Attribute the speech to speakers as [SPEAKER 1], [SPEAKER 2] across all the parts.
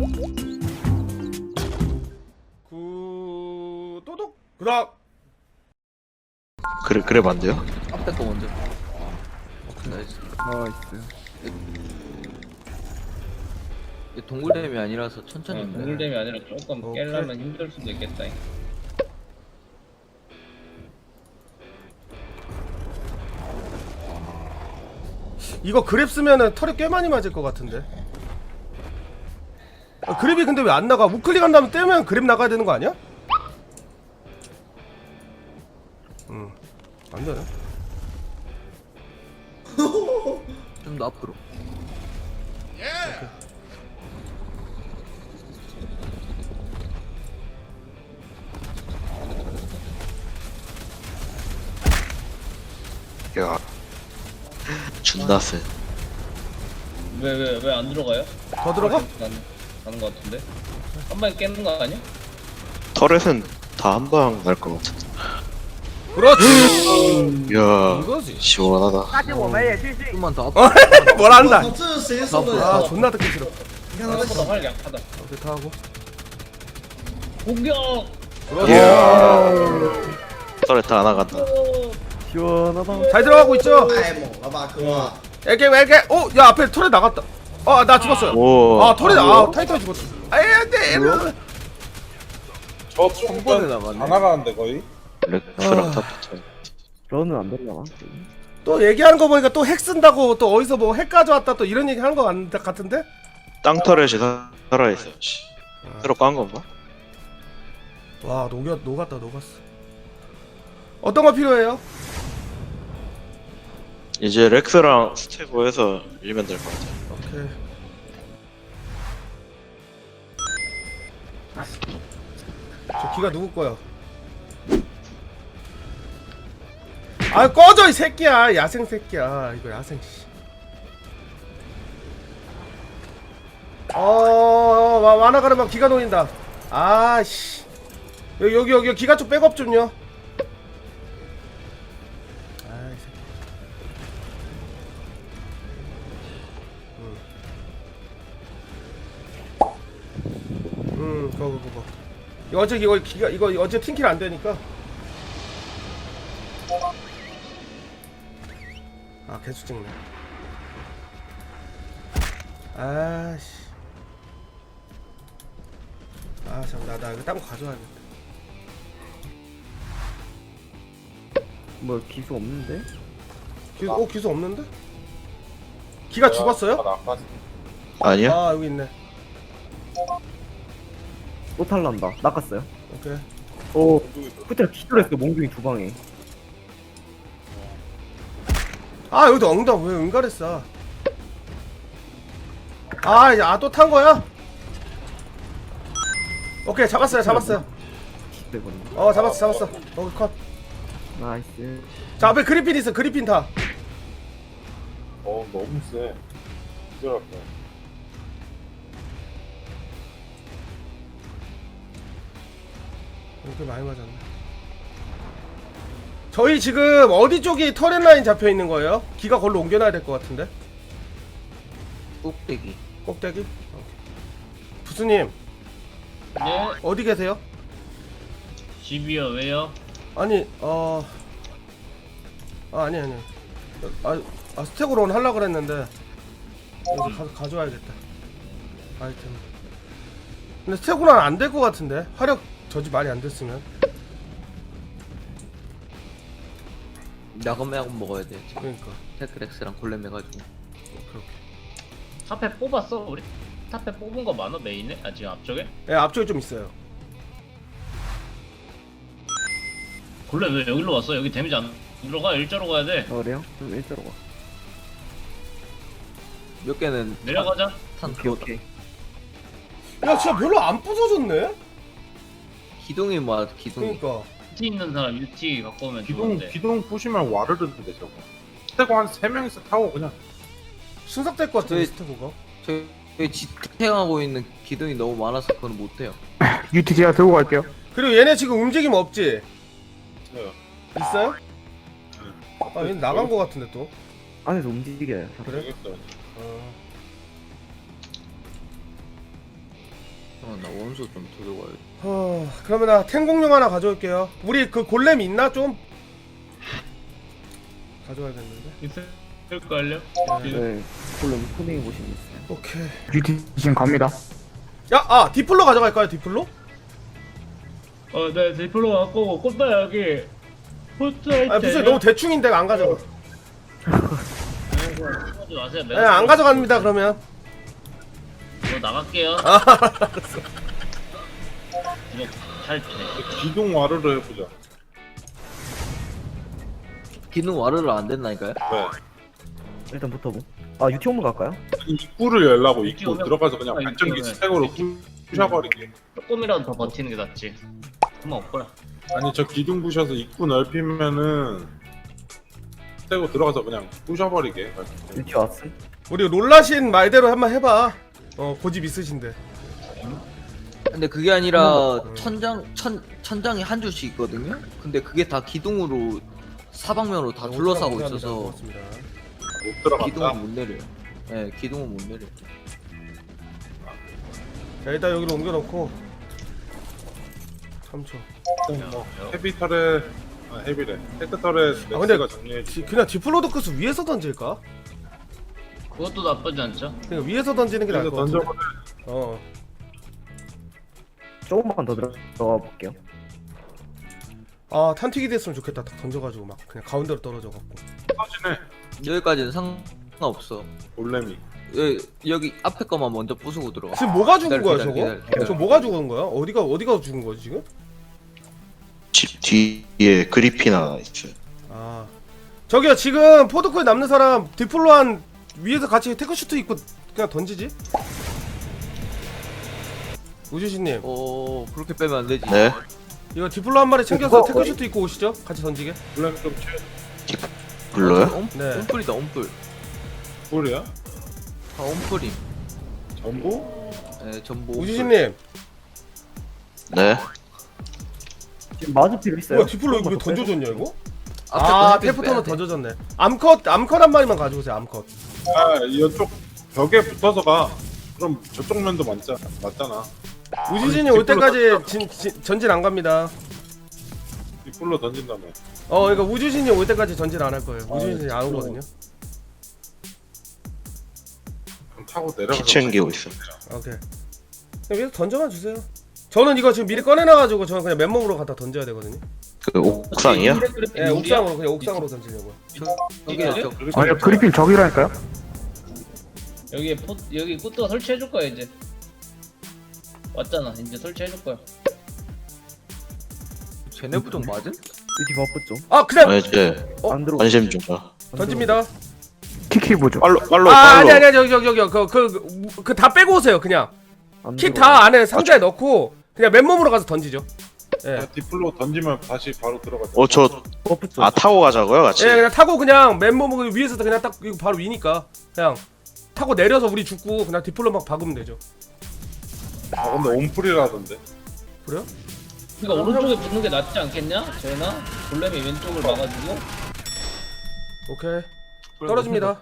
[SPEAKER 1] 또독 그다음
[SPEAKER 2] 그래 안 돼요?
[SPEAKER 3] 앞에 거 먼저. 나이스. 이게 동굴댐이 아니라서 천천히.
[SPEAKER 4] 동굴댐이 아니라 조금
[SPEAKER 1] 오케이.
[SPEAKER 4] 깨려면 힘들 수도 있겠다.
[SPEAKER 1] 이거 그랩 쓰면은 털이 꽤 많이 맞을 것 같은데. 그랩이 근데 왜 안 나가? 우클릭한 다음에 떼면 그랩 나가야 되는 거 아니야? 안 되네.
[SPEAKER 3] 좀 더 앞으로.
[SPEAKER 2] 야 존나 세.
[SPEAKER 4] 왜 안 들어가요?
[SPEAKER 1] 더 들어가?
[SPEAKER 4] 가는 거 같은데? 한 방에 깨는 거 아니야?
[SPEAKER 2] 터렛은 다 한 방 날 것 같은데.
[SPEAKER 1] 그렇지.
[SPEAKER 2] 야
[SPEAKER 1] 이거지.
[SPEAKER 2] 시원하다.
[SPEAKER 3] 좀만 더 앞으로.
[SPEAKER 1] 뭘 한다.
[SPEAKER 5] 这是谁说的？
[SPEAKER 1] 아 존나 듣기 싫어.
[SPEAKER 5] 你看他的
[SPEAKER 4] 생각보다
[SPEAKER 5] 手，
[SPEAKER 4] 활 약하다.
[SPEAKER 1] 오케이 다 하고.
[SPEAKER 4] 공격!
[SPEAKER 1] 그렇지.
[SPEAKER 2] 터렛 다 나간다.
[SPEAKER 1] 잘 들어가고 있죠?
[SPEAKER 5] 太猛了吧，哥！
[SPEAKER 1] 이렇게 오, 야 앞에 털에 나갔다. 나 죽었어요.
[SPEAKER 2] 오.
[SPEAKER 1] 아 털에 타이탄이 죽었어. 아이 안돼.
[SPEAKER 6] 저
[SPEAKER 3] 한 번에
[SPEAKER 6] 좀
[SPEAKER 3] 나가네.
[SPEAKER 6] 다 나가는데 거의.
[SPEAKER 2] 렉스랑 다 붙어.
[SPEAKER 7] 저는 안 되려나?
[SPEAKER 1] 또 얘기하는 거 보니까 또 핵 쓴다고 또 어디서 뭐 핵 가져왔다 또 이런 얘기 하는 거 같은데?
[SPEAKER 2] 땅 터렛이 살아있어. 씨. 새로 깐 건가?
[SPEAKER 1] 와 녹았다. 어떤 거 필요해요?
[SPEAKER 2] 이제 렉스랑 스테고에서 밀면 될 것 같아.
[SPEAKER 1] 오케이. 저 기가 누구 거야? 아 꺼져 이 새끼야. 야생 새끼야. 이거 야생 씨. 만화 가르마 기가 놓인다. 아씨. 여기 기가 쪽 백업 좀요. 아이 새끼. 그거. 이거 어제 팀킬 안 되니까. 아 개수 찍네. 아씨. 잠깐 나 이거 딴 거 가져와야겠다.
[SPEAKER 7] 뭐 기수 없는데?
[SPEAKER 1] 기수 없는데? 기가 죽었어요?
[SPEAKER 6] 다 나갔어.
[SPEAKER 2] 아니야?
[SPEAKER 1] 아 여기 있네.
[SPEAKER 7] 또 탈난다. 낚았어요.
[SPEAKER 1] 오케이.
[SPEAKER 7] 오, 후퇴 기절했어. 몽둥이 두 방에.
[SPEAKER 1] 여기도 엉덩 왜 은갈했어? 또 탄 거야? 오케이 잡았어요.
[SPEAKER 7] 기대거든요.
[SPEAKER 1] 잡았어. 거기 컷.
[SPEAKER 7] 나이스.
[SPEAKER 1] 자 앞에 그리핀 있어. 그리핀 타.
[SPEAKER 6] 너무 세. 기절할 거야.
[SPEAKER 1] 이렇게 많이 맞았네. 저희 지금 어디 쪽이 터렛 라인 잡혀 있는 거예요? 기가 걸로 옮겨놔야 될 것 같은데.
[SPEAKER 3] 꼭대기.
[SPEAKER 1] 꼭대기? 오케이. 부스님
[SPEAKER 4] 네?
[SPEAKER 1] 어디 계세요?
[SPEAKER 4] 집이요, 왜요?
[SPEAKER 1] 아니 스택으로 하려고 그랬는데 여기 가서 가져와야겠다. 아이템. 근데 스택으로는 안 될 것 같은데 화력 저지 많이 안 됐으면.
[SPEAKER 3] 야금 먹어야 돼. 지금
[SPEAKER 1] 그러니까.
[SPEAKER 3] 테크렉스랑 골렘 해가지고.
[SPEAKER 1] 그렇게.
[SPEAKER 4] 탑에 뽑았어, 우리? 탑에 뽑은 거 많아, 메인에? 지금 앞쪽에?
[SPEAKER 1] 예, 앞쪽에 좀 있어요.
[SPEAKER 4] 원래 왜 여기로 왔어? 여기 데미지 안 들어가? 일자로 가야 돼.
[SPEAKER 7] 그래요? 좀 일자로 가.
[SPEAKER 3] 몇 개는
[SPEAKER 4] 내려가자.
[SPEAKER 3] 탄
[SPEAKER 7] 오케이.
[SPEAKER 1] 야 진짜 별로 안 부서졌네?
[SPEAKER 3] 기둥이 뭐야? 기둥이.
[SPEAKER 1] 그러니까.
[SPEAKER 4] UT 있는 사람 UT 갖고 오면
[SPEAKER 6] 기둥
[SPEAKER 4] 좋은데.
[SPEAKER 6] 부시면 와르르는데 저거. 스테고 한 3명이서 타고 그냥.
[SPEAKER 1] 순삭될 것 같은데
[SPEAKER 3] 저희-
[SPEAKER 1] 스태고가.
[SPEAKER 3] 저희 지탱하고 있는 기둥이 너무 많아서 그건 못해요.
[SPEAKER 7] UT 제가 들고 갈게요.
[SPEAKER 1] 그리고 얘네 지금 움직임 없지?
[SPEAKER 6] 네.
[SPEAKER 1] 있어요? 얘 나간 것 같은데 또.
[SPEAKER 7] 안에서 움직여요.
[SPEAKER 1] 그래?
[SPEAKER 6] 알겠어요.
[SPEAKER 3] 나 원소 좀 들고 가야 돼.
[SPEAKER 1] 그러면 나 탱공룡 하나 가져올게요. 우리 그 골렘 있나 좀? 가져와야겠는데.
[SPEAKER 4] 있을걸요?
[SPEAKER 7] 네. 폴름 코딩해 보시면 있어요.
[SPEAKER 1] 오케이.
[SPEAKER 7] UT 지금 갑니다.
[SPEAKER 1] 야, 디플로 가져갈까요? 디플로?
[SPEAKER 4] 네, 디플로 갖고 꽃다 여기 포트
[SPEAKER 1] 아, 무슨 너무 대충인데 안 가져가.
[SPEAKER 4] 하지 마세요.
[SPEAKER 1] 네, 안 가져갑니다. 그러면.
[SPEAKER 4] 저 나갈게요.
[SPEAKER 1] 알았어.
[SPEAKER 4] 이거 탈퇴.
[SPEAKER 6] 기둥 와르르 해보자.
[SPEAKER 3] 기능 와르르 안 됐나니까요?
[SPEAKER 6] 네.
[SPEAKER 7] 일단 붙어보. 아 UT 홈으로 갈까요?
[SPEAKER 6] 입구를 열라고 입구
[SPEAKER 4] 오면-
[SPEAKER 6] 들어가서 그냥
[SPEAKER 4] 아,
[SPEAKER 6] 발전기
[SPEAKER 4] 입구
[SPEAKER 6] 스택으로 부셔버리게.
[SPEAKER 4] 조금이라도 더 버티는 게 낫지. 그만 없거라.
[SPEAKER 6] 아니 저 기둥 부셔서 입구 넓히면은 스택으로 들어가서 그냥 부셔버리게.
[SPEAKER 7] UT 왔음.
[SPEAKER 1] 우리 롤라신 말대로 한번 해봐. 고집 있으신데.
[SPEAKER 3] 근데 그게 아니라 천장이 한 줄씩 있거든요. 근데 그게 다 기둥으로 사방면으로 다 둘러싸고
[SPEAKER 1] 감사합니다.
[SPEAKER 3] 있어서
[SPEAKER 1] 고맙습니다.
[SPEAKER 6] 못
[SPEAKER 3] 기둥은
[SPEAKER 6] 들어간다.
[SPEAKER 3] 못 내려. 네, 기둥은 못 내려.
[SPEAKER 1] 자, 일단 여기로 옮겨놓고 3초.
[SPEAKER 6] 뭐 헤비 털에 헤비래. 헤드 털에
[SPEAKER 1] 근데
[SPEAKER 6] 넥스가 정리해지.
[SPEAKER 1] 그냥 디플로도크스 위에서 던질까?
[SPEAKER 4] 그것도 나쁘지 않죠?
[SPEAKER 1] 그냥 위에서 던지는 게 나을
[SPEAKER 6] 그래서
[SPEAKER 1] 것 같은데.
[SPEAKER 6] 던져버려.
[SPEAKER 7] 조금만 더 들어가 볼게요.
[SPEAKER 1] 아, 탄튀기 됐으면 좋겠다. 딱 던져가지고 막 그냥 가운데로 떨어져갖고.
[SPEAKER 6] 터지네.
[SPEAKER 3] 여기까지는 상관없어.
[SPEAKER 6] 올레미.
[SPEAKER 3] 여기 앞에 거만 먼저 부수고 들어가.
[SPEAKER 1] 지금 뭐가 죽은 거야
[SPEAKER 3] 기다려,
[SPEAKER 1] 저거?
[SPEAKER 3] 기다려.
[SPEAKER 1] 저 뭐가 죽은 거야? 어디가 죽은 거지 지금?
[SPEAKER 2] 집 뒤에 그리핀 하나 있어요.
[SPEAKER 1] 아, 저기요, 지금 포드코에 남는 사람 디플로한 위에서 같이 테크슈트 입고 그냥 던지지? 우주신님,
[SPEAKER 3] 그렇게 빼면 안 되지.
[SPEAKER 2] 네.
[SPEAKER 1] 이거 디플로 한 마리 챙겨서
[SPEAKER 7] 그거-
[SPEAKER 1] 테크슈트 입고 오시죠? 같이 던지게.
[SPEAKER 6] 올레미 좀 치워.
[SPEAKER 2] 불러요?
[SPEAKER 1] 네.
[SPEAKER 3] 온풀이다, 온풀.
[SPEAKER 6] 뿔이야?
[SPEAKER 3] 다 온풀임.
[SPEAKER 6] 전부?
[SPEAKER 3] 네, 전부. 온풀.
[SPEAKER 1] 우주신님,
[SPEAKER 2] 네.
[SPEAKER 7] 지금 마주 필요 있어요?
[SPEAKER 1] 뭐야 디플로 이거 왜 던져줬냐 이거?
[SPEAKER 3] 앞에
[SPEAKER 1] 아,
[SPEAKER 3] 거 햇빛
[SPEAKER 1] 테프터는
[SPEAKER 3] 빼야 돼.
[SPEAKER 1] 던져줬네. 암컷 한 마리만 가져오세요. 암컷.
[SPEAKER 6] 아 이쪽 벽에 붙어서 가. 그럼 저쪽 면도 맞잖아.
[SPEAKER 1] 우주신이
[SPEAKER 6] 아니,
[SPEAKER 1] 올 때까지 전진 안 갑니다.
[SPEAKER 6] 이 뿔로 던진다며.
[SPEAKER 1] 그러니까 우주신이 올 때까지 전진 안 할 거예요. 우주신이 안
[SPEAKER 6] 그쵸.
[SPEAKER 1] 오거든요.
[SPEAKER 6] 그럼 타고 내려가서.
[SPEAKER 2] 피 챙기고 있어.
[SPEAKER 1] 오케이. 그냥 위에서 던져만 주세요. 저는 이거 지금 미리 꺼내놔가지고 저는 그냥 맨몸으로 갖다 던져야 되거든요.
[SPEAKER 2] 그 옥상이야?
[SPEAKER 1] 예, 옥상으로 그냥 옥상으로 던지려고요.
[SPEAKER 3] 여기 저
[SPEAKER 7] 아니요 그리핀 저기라니까요?
[SPEAKER 4] 여기 꽃도 설치해줄 거야 이제. 왔잖아. 이제 설치해줄 거야.
[SPEAKER 3] 쟤네 부정 맞은?
[SPEAKER 7] UT 바쁘죠?
[SPEAKER 1] 아, 그냥
[SPEAKER 2] 아 이제
[SPEAKER 7] 안 들어.
[SPEAKER 2] 관심 좀 봐.
[SPEAKER 1] 던집니다.
[SPEAKER 7] 키키 보죠.
[SPEAKER 2] 빨로
[SPEAKER 1] 아니 저기 그 다 빼고 오세요. 그냥
[SPEAKER 7] 안
[SPEAKER 1] 킷
[SPEAKER 7] 들어가요.
[SPEAKER 1] 다 안에 상자에 넣고 그냥 맨몸으로 가서 던지죠. 예.
[SPEAKER 6] 디플로 던지면 다시 바로 들어가.
[SPEAKER 2] 저
[SPEAKER 7] 바쁘죠?
[SPEAKER 2] 타고 가자고요 같이.
[SPEAKER 1] 예, 그냥 타고 그냥 맨몸으로 위에서 그냥 딱 이거 바로 위니까 그냥 타고 내려서 우리 죽고 그냥 디플로 막 박으면 되죠.
[SPEAKER 6] 근데 온풀이라던데.
[SPEAKER 1] 그래요?
[SPEAKER 4] 그러니까 오른쪽에 붙는 게 낫지 않겠냐? 재나? 골렘이 왼쪽을 막아주고.
[SPEAKER 1] 오케이. 떨어집니다.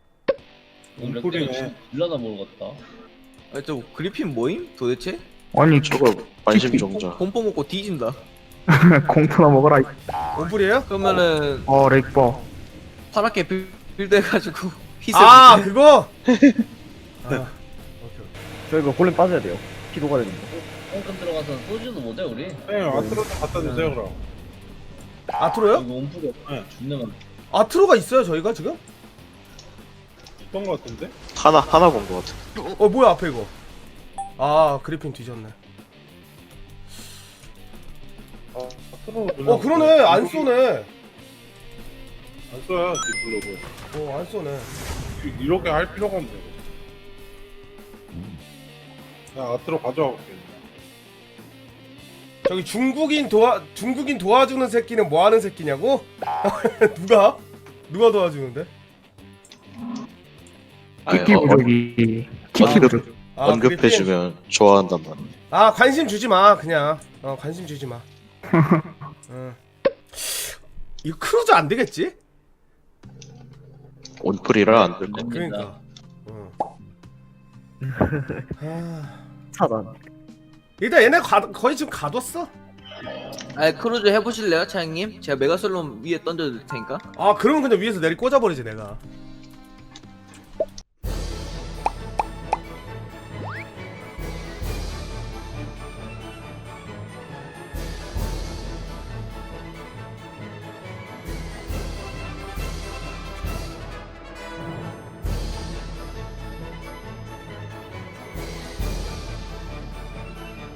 [SPEAKER 6] 온풀이네.
[SPEAKER 4] 일러나 모르겠다.
[SPEAKER 3] 저 그리핀 뭐임? 도대체?
[SPEAKER 7] 아니
[SPEAKER 2] 저거 관심 좀 줘.
[SPEAKER 3] 공포 먹고 뒤진다.
[SPEAKER 7] 공포나 먹어라.
[SPEAKER 1] 온불이에요?
[SPEAKER 3] 그러면은
[SPEAKER 7] 렉버.
[SPEAKER 3] 파랗게 빌드 해가지고 희생.
[SPEAKER 1] 아, 그거. 아, 오케이.
[SPEAKER 7] 저 이거 골렘 빠져야 돼요. 피도가 되는 거.
[SPEAKER 4] 홈금 들어가서 소주도 못해 우리.
[SPEAKER 6] 네, 아트로 좀 갖다 주세요 그럼.
[SPEAKER 1] 아트로요?
[SPEAKER 4] 이거 온풀이
[SPEAKER 6] 네.
[SPEAKER 4] 죽는
[SPEAKER 1] 아트로가 있어요 저희가 지금?
[SPEAKER 6] 있던 거 같은데?
[SPEAKER 2] 하나 본 거 같아.
[SPEAKER 1] 뭐야 앞에 이거? 아, 그리핀 뒤졌네.
[SPEAKER 6] 아트로.
[SPEAKER 1] 그러네. 안 쏘네.
[SPEAKER 6] 안 써야 디플로고.
[SPEAKER 1] 안 쏘네.
[SPEAKER 6] 이렇게 할 필요가 없네. 야 아트로 가져와 볼게.
[SPEAKER 1] 저기 중국인 도와주는 새끼는 뭐 하는 새끼냐고? 누가 도와주는데?
[SPEAKER 7] 키키 부족이. 키키 부족.
[SPEAKER 1] 아, 그리핀?
[SPEAKER 2] 언급해주면 좋아한단 말이야.
[SPEAKER 1] 아, 관심 주지 마. 그냥. 관심 주지 마. 이거 크루즈 안 되겠지?
[SPEAKER 2] 온풀이라 안 될 거.
[SPEAKER 1] 그러니까. 아,
[SPEAKER 7] 차단.
[SPEAKER 1] 일단 얘네 거의 지금 가뒀어.
[SPEAKER 3] 아 크루즈 해보실래요 차장님? 제가 메가솔론 위에 던져줄 테니까.
[SPEAKER 1] 아 그러면 그냥 위에서 내리 꽂아버리지 내가.